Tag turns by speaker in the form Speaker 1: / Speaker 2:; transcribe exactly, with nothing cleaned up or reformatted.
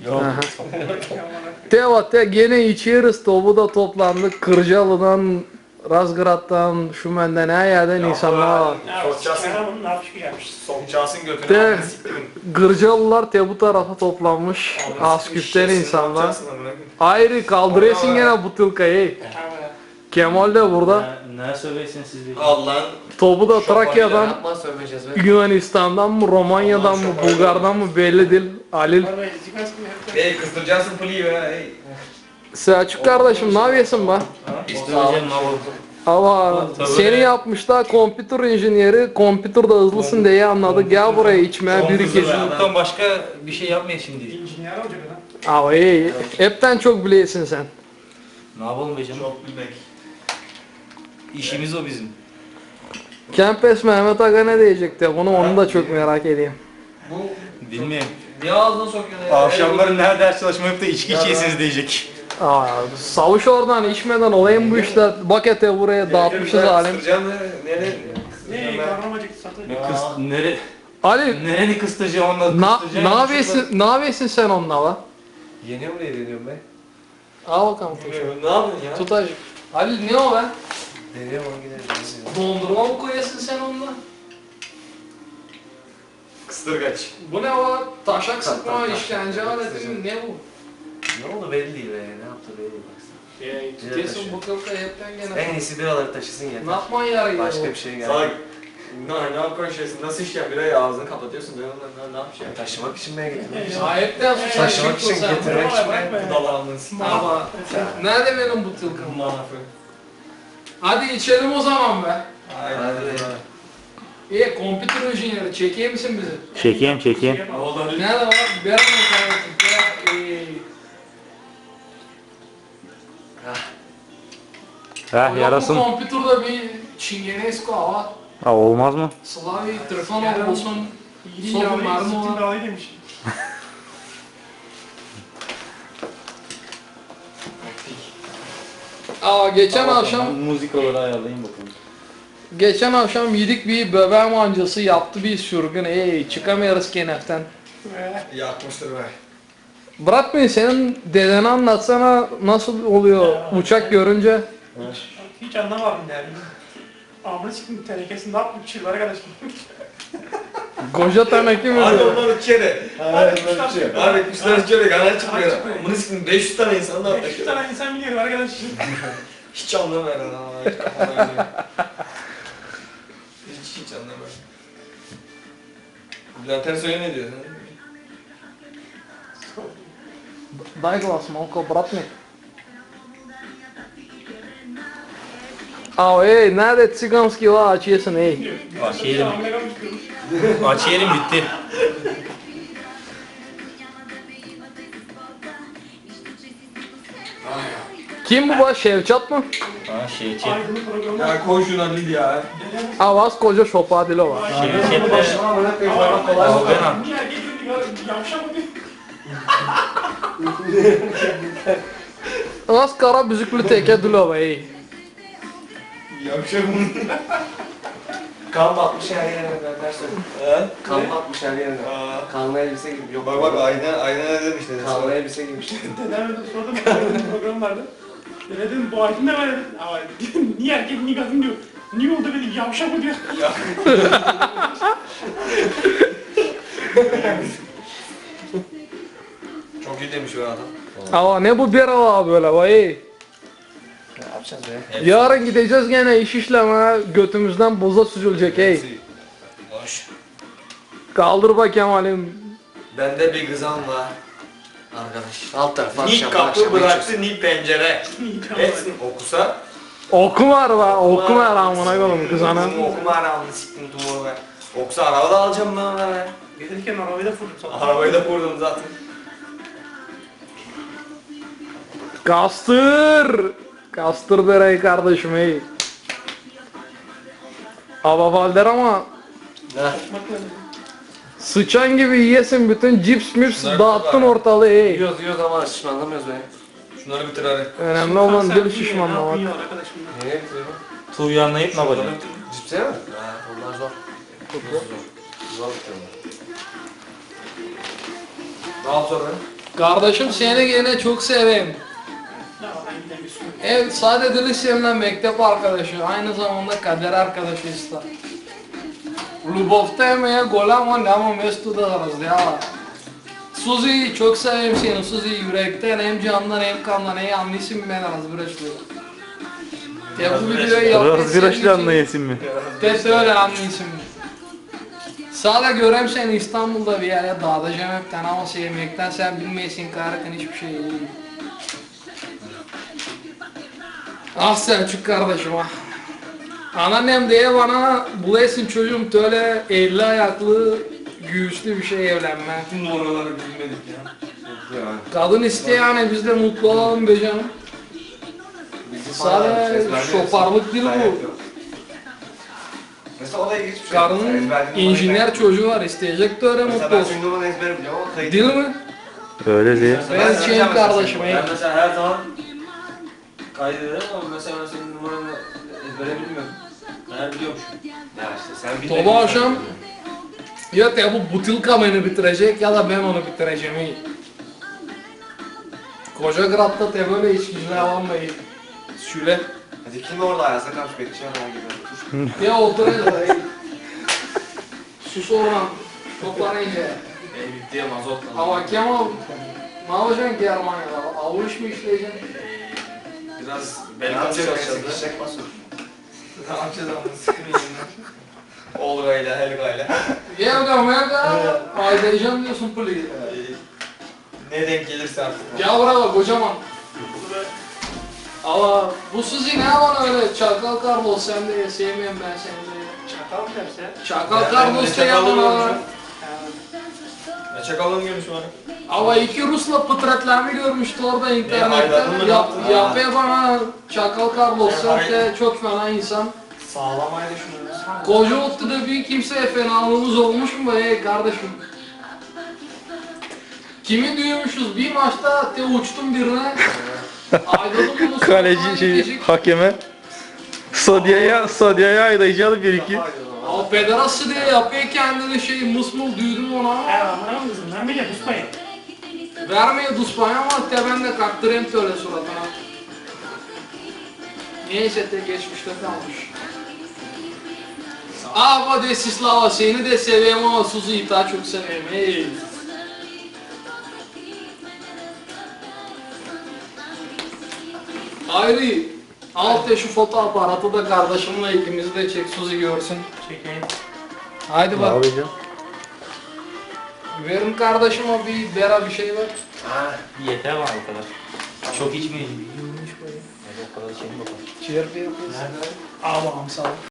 Speaker 1: Yok.
Speaker 2: Teva te gene içeriz topu da toplandık. Kırcalı'dan, Razgrad'dan, Şümen'den her yerden insanlar var.
Speaker 3: Kerem'in ne yapmış gelmiş.
Speaker 1: Sokacağısın götüne.
Speaker 2: De
Speaker 1: amına siktirin.
Speaker 2: Gırcalılar te bu tarafa toplanmış. Asküften
Speaker 1: Şişesini
Speaker 2: insanlar.
Speaker 1: yapacaksın amına koyayım.
Speaker 2: Ayrı kaldırıyorsun gene butulkayı. Kemal de burada.
Speaker 4: Ne, ne söyleyin siz de?
Speaker 1: Allah'ın
Speaker 2: Topu da Trakya'dan,
Speaker 5: Yapma sövmeyeceğiz be.
Speaker 2: Yunanistan'dan mı, Romanya'dan mı, Bulgar'dan mı belli değil. Halil.
Speaker 1: ey kızdıracaksın piliyi be ey.
Speaker 2: Selçuk kardeşim ne yapıyorsun be?
Speaker 4: İsteyeceğim ne olur.
Speaker 2: Ama
Speaker 4: Tabii.
Speaker 2: seni yapmışlar kompütür injiniyeri, kompütürde hızlısın diye anladı. Gel buraya içmeye bir iki.
Speaker 4: Çocuktan başka bir şey yapmayın şimdi.
Speaker 3: İnjinyer olacak adam.
Speaker 2: Ama iyi, hepten çok biliyorsun sen.
Speaker 4: Ne yapalım be canım?
Speaker 1: Çok bilmek.
Speaker 4: İşimiz o bizim.
Speaker 2: Kempes Mehmet Aga ne diyecekti? Bunu onu da çok merak edeyim.
Speaker 1: Bu
Speaker 4: Bilmiyorum.
Speaker 1: niye ağzına sokuyorsun ya?
Speaker 4: Akşamları nerede ders çalışmayıp da içki içeyesiniz diyecek.
Speaker 2: Aa, savuş oradan içmeden olayım bu işte. Bakete buraya dağıtmışız alem.
Speaker 1: Kıstıracağım ne? Nereye?
Speaker 3: Ne? Karnım acıktı satın.
Speaker 4: Kıs, nere,
Speaker 2: Ali,
Speaker 4: nereni kıstıracağım onunla
Speaker 2: na,
Speaker 4: kıstıracağım.
Speaker 2: ne yapıyorsun, ne yapıyorsun sen onunla la?
Speaker 5: Yeniyor mu diye deniyorum be.
Speaker 2: Al bakalım tut.
Speaker 1: Ne yapıyorsun ya?
Speaker 2: Tut acık. Ali ne o be?
Speaker 5: Deniyorum onu gidelim.
Speaker 2: Dondurma mı koyuyorsun sen onunla?
Speaker 1: Kıstırgaç.
Speaker 2: Bu ne o? Taşak sıkma,
Speaker 5: tak, tak.
Speaker 2: işkence aleti mi? Ne bu?
Speaker 5: Ne oldu belli değil be. Ne yaptı belli değil baksana.
Speaker 2: Ya tutuyorsun bu kılka hepten
Speaker 5: En
Speaker 2: gene.
Speaker 5: iyisi biraları taşısın
Speaker 2: Ne
Speaker 5: yeter.
Speaker 2: yapman yarıyor?
Speaker 5: Başka bir şey
Speaker 1: Salak.
Speaker 5: geldi.
Speaker 1: Ne ne yapıyorsun şeysin? Nasıl işken birayı ağzını kapatıyorsun? Ne ne ne yapacaksın?
Speaker 5: Taşımak için ben getirdim.
Speaker 2: Sahipten sus.
Speaker 5: Taşımak için
Speaker 2: sen.
Speaker 5: getirmek için ben.
Speaker 3: Bırak be.
Speaker 1: Dalağını
Speaker 2: Ama nerede benim bu tılkım?
Speaker 1: Manafı.
Speaker 2: Hadi içelim o zaman be.
Speaker 1: Aynen.
Speaker 5: Hadi.
Speaker 2: İyi, kompütür injiniyeri çekeyim misin bizi?
Speaker 4: Çekeyim çekeyim.
Speaker 1: Oğlum
Speaker 2: Nerede var? Bir an kardeşim. Ya, iyi.
Speaker 4: Heh yarasın.
Speaker 2: Bu kompütürde bir Çingenesko var.
Speaker 4: Ha, olmaz mı?
Speaker 2: Slavi, Trifonov olsun.
Speaker 3: İyi
Speaker 2: Son
Speaker 3: yağlı,
Speaker 2: mermi
Speaker 3: siktin
Speaker 2: var.
Speaker 3: dağılıyı demiş.
Speaker 2: Aa, geçen akşam
Speaker 4: Muzikaları ayarlayayım bakalım.
Speaker 2: geçen akşam yedik bir böbek mancası yaptı bir sürgün. Ey çıkamıyoruz keneften.
Speaker 3: Ve
Speaker 1: yakmıştır be.
Speaker 2: Bırakmayın senin dedeni anlatsana nasıl oluyor uçak görünce.
Speaker 3: hiç, hiç anlamadım yani. Amına siktim tenekesini ne yaptım çıllara kadar şimdi.
Speaker 2: Koca teneke mi
Speaker 1: Hadi
Speaker 2: diyor?
Speaker 1: onlar içeri.
Speaker 3: Hadi kuşlar çıkıyor.
Speaker 1: Abi kuşlar içeri kanal çıkmıyor.
Speaker 3: çıkmıyor.
Speaker 1: Bunu sikin beş yüz tane insan da
Speaker 3: beş yüz tane insan biliyor arkadaş.
Speaker 1: hiç anlamıyor lan. Hiç kafama oynuyor. Hiç hiç anlamıyor. Bülent Ersoy'a ne diyor?
Speaker 2: Дай глас малко, брат ми. Aa ey nerede цигански la açıyorsun ey.
Speaker 4: Aç yerim. Aç yerim bitti.
Speaker 2: Kim bu baş Şevçat mı?
Speaker 4: Ha şey çek.
Speaker 3: Aydınlık programı.
Speaker 1: Ya koy şuna Lidya.
Speaker 2: Avaz koca şopadilo var.
Speaker 4: Şey çek baş. Algana.
Speaker 3: Niye erkek diyor yavşak mı diyor.
Speaker 2: Az kara büzüklü teke dilo ey.
Speaker 1: Yavşak mı?
Speaker 5: Kan batmış her yerine ben dersin.
Speaker 1: He?
Speaker 5: Kan batmış her yerine.
Speaker 1: Aa.
Speaker 5: Kanlı elbise gibi. Yok.
Speaker 1: Bak bak ayna ayna ne demiş dedi.
Speaker 5: Kanlı elbise gibi işte.
Speaker 3: Dedemle de sordum. Aydınlık program vardı. Dede dedim bu Aydın ne var dedim. Ama dedim, niye erkek niye kadın diyor. Niye oldu dedi yavşak mı diyor.
Speaker 1: Çok iyi demiş o adam.
Speaker 2: Ama ne bu bir hava böyle vay.
Speaker 5: Ne yapacağız be?
Speaker 2: Yarın gideceğiz gene iş işleme götümüzden boza süzülecek ey.
Speaker 1: Boş.
Speaker 2: Kaldır bakayım halim.
Speaker 1: Bende bir kızan var. Arkadaş.
Speaker 5: Alt tarafı
Speaker 1: Ni
Speaker 5: akşam
Speaker 1: kapı
Speaker 5: akşam
Speaker 1: bıraktı ni pencere. Etsin okusa.
Speaker 2: Okum var va okum var amına koyayım kızana.
Speaker 1: Kızım okuma aramını siktim tumuğu be. Okusa araba da alacağım ben ona be.
Speaker 3: Gelirken arabayı da fırladım sana.
Speaker 1: Arabayı da vurdum zaten.
Speaker 2: Kastır. Kastır derey kardeşim ey. Ava Valder ama sıçan gibi yiyesin bütün cips mips
Speaker 1: Bunlar
Speaker 2: dağıttın
Speaker 1: var.
Speaker 2: ortalığı ey.
Speaker 5: Yiyoruz yiyoruz ama şişmanlamıyoruz be.
Speaker 1: Şunları bitir hadi.
Speaker 2: Önemli olan dil şişmanlamak.
Speaker 3: Ne yapıyor arkadaş bunlar?
Speaker 5: Niye yapıyorum?
Speaker 4: Tuğyanlayıp ne yapacağım?
Speaker 5: Cipse mi? Ha, onlar zor. Zor. Zor bitiyorlar.
Speaker 1: Ne yap sonra?
Speaker 2: Kardeşim seni gene çok seveyim.
Speaker 3: Ne var ben giden bir sürü.
Speaker 2: Evet, sadece lisemle mektep arkadaşı, aynı zamanda kader arkadaşıyız da. Lubov'ta yemeğe golam var ama mestu da arız ya. Suzi'yi çok seveyim seni, Suzi yürekten hem candan hem kandan hem anlısın ben arız bıraşlı. Ya bu videoyu yapmayı
Speaker 4: Razgıraşlı anlayasın mı?
Speaker 2: Test öyle anlısın. Sadece görem seni İstanbul'da bir yere dağıtacağım hepten ama sevmekten sen bilmeyesin karıkın hiçbir şey değil. Ah Selçuk kardeşim ah. Anneannem diye bana bulayısın çocuğum böyle elli ayaklı göğüslü bir şey evlenme.
Speaker 1: Tüm oraları bilmedik ya. Yani.
Speaker 2: Kadın iste yani biz de mutlu olalım be canım.
Speaker 1: Bizi
Speaker 2: Sadece şoparlık değil bu.
Speaker 5: Mesela o da ilginç bir şey.
Speaker 2: Karının
Speaker 5: Ezberlediğin numarayı
Speaker 2: injiner
Speaker 5: ben-
Speaker 2: çocuğu var isteyecek de öyle
Speaker 5: Mesela
Speaker 2: mutlu
Speaker 5: ben
Speaker 2: olsun.
Speaker 5: şimdi numaranı ezber biliyorum ama kayıt.
Speaker 2: Değil mi?
Speaker 4: Öyle değil.
Speaker 2: Ben
Speaker 1: Ben
Speaker 2: şeyim
Speaker 1: sana
Speaker 2: kardeşim
Speaker 1: Ben
Speaker 2: ey.
Speaker 1: mesela her zaman kaydederim ama mesela ben senin numaranı ezbere bilmiyorum. Meğer biliyormuşum.
Speaker 5: Ya işte sen bilmedin.
Speaker 2: Sabah akşam ya ya bu butilka beni bitirecek ya da ben onu bitireceğim iyi. Koca Grad'da te böyle içkiciler almayı. Şöyle.
Speaker 5: Hadi kim orada ayazda kalmış bekçiyor ona gibi.
Speaker 2: Ya oturacağız iyi. Sus oradan. Toplanınca.
Speaker 1: Benim bitti ya mazot lazım.
Speaker 2: Ama Kemal ne yapacaksın ki Almanya'da? Avuç mu işleyeceksin?
Speaker 1: Biraz
Speaker 5: Ne
Speaker 1: belki
Speaker 5: yapacağız?
Speaker 1: çalışacağız.
Speaker 5: Sıkışacak basın.
Speaker 1: Ne yapacağız ama sıkın elinden. Olga'yla, Helga'yla.
Speaker 2: Evde mevde aydayacağım diyorsun puli.
Speaker 1: Ne denk gelirse artık.
Speaker 2: Gel buraya bak kocaman. Ama bu Suzi ne bana öyle çakal Carlos sen de sevmiyorum ben seni de.
Speaker 3: Çakal mı derse?
Speaker 2: Çakal
Speaker 1: Ben-
Speaker 2: Carlos
Speaker 1: ben
Speaker 2: da ya
Speaker 1: çakalım
Speaker 2: bana.
Speaker 1: görmüşüm. Ne çakalım görmüş bana.
Speaker 2: Ama iki Rus'la pıtratlarını görmüştü orada
Speaker 1: hayranın mı,
Speaker 2: internette.
Speaker 1: ne
Speaker 2: Yap,
Speaker 1: yaptın?
Speaker 2: yapıyor bana Çakal Carlos
Speaker 1: Ne
Speaker 2: sen
Speaker 1: hay-
Speaker 2: de çok fena insan.
Speaker 1: Sağlamayı düşünüyoruz.
Speaker 2: Koca ottu da bir kimseye fenalığımız olmuş mu be kardeşim? Kimi duymuşuz bir maçta te uçtum birine. Aydadım bunu.
Speaker 4: Kaleci şey hakeme Sadia'ya Sadia'ya aydayıcı bir iki.
Speaker 2: O pederası diye yapıyor kendini şey mısmul duydum ona.
Speaker 3: He amına mı kızım? Ben bile tutmayın.
Speaker 2: Vermeye duspanya ama te ben de kaktırayım öyle suratına. Neyse te geçmişte kalmış. Ava de Sislava seni de seveyim ama Suzi'yi daha çok seveyim. Hey. Hayri, al te şu fotoaparatı da kardeşimle ikimizi de çek Suzi görsün.
Speaker 3: Çekeyim.
Speaker 2: Haydi
Speaker 4: Ne
Speaker 2: bak.
Speaker 4: yapacağım?
Speaker 2: Verin kardeşime bir bera bir şey ver.
Speaker 4: Yeter var o kadar. Çok içmeyelim. O kadar şey mi bakalım?
Speaker 2: Ciğer bir yapıyorsun. Allah'ım sağ ol.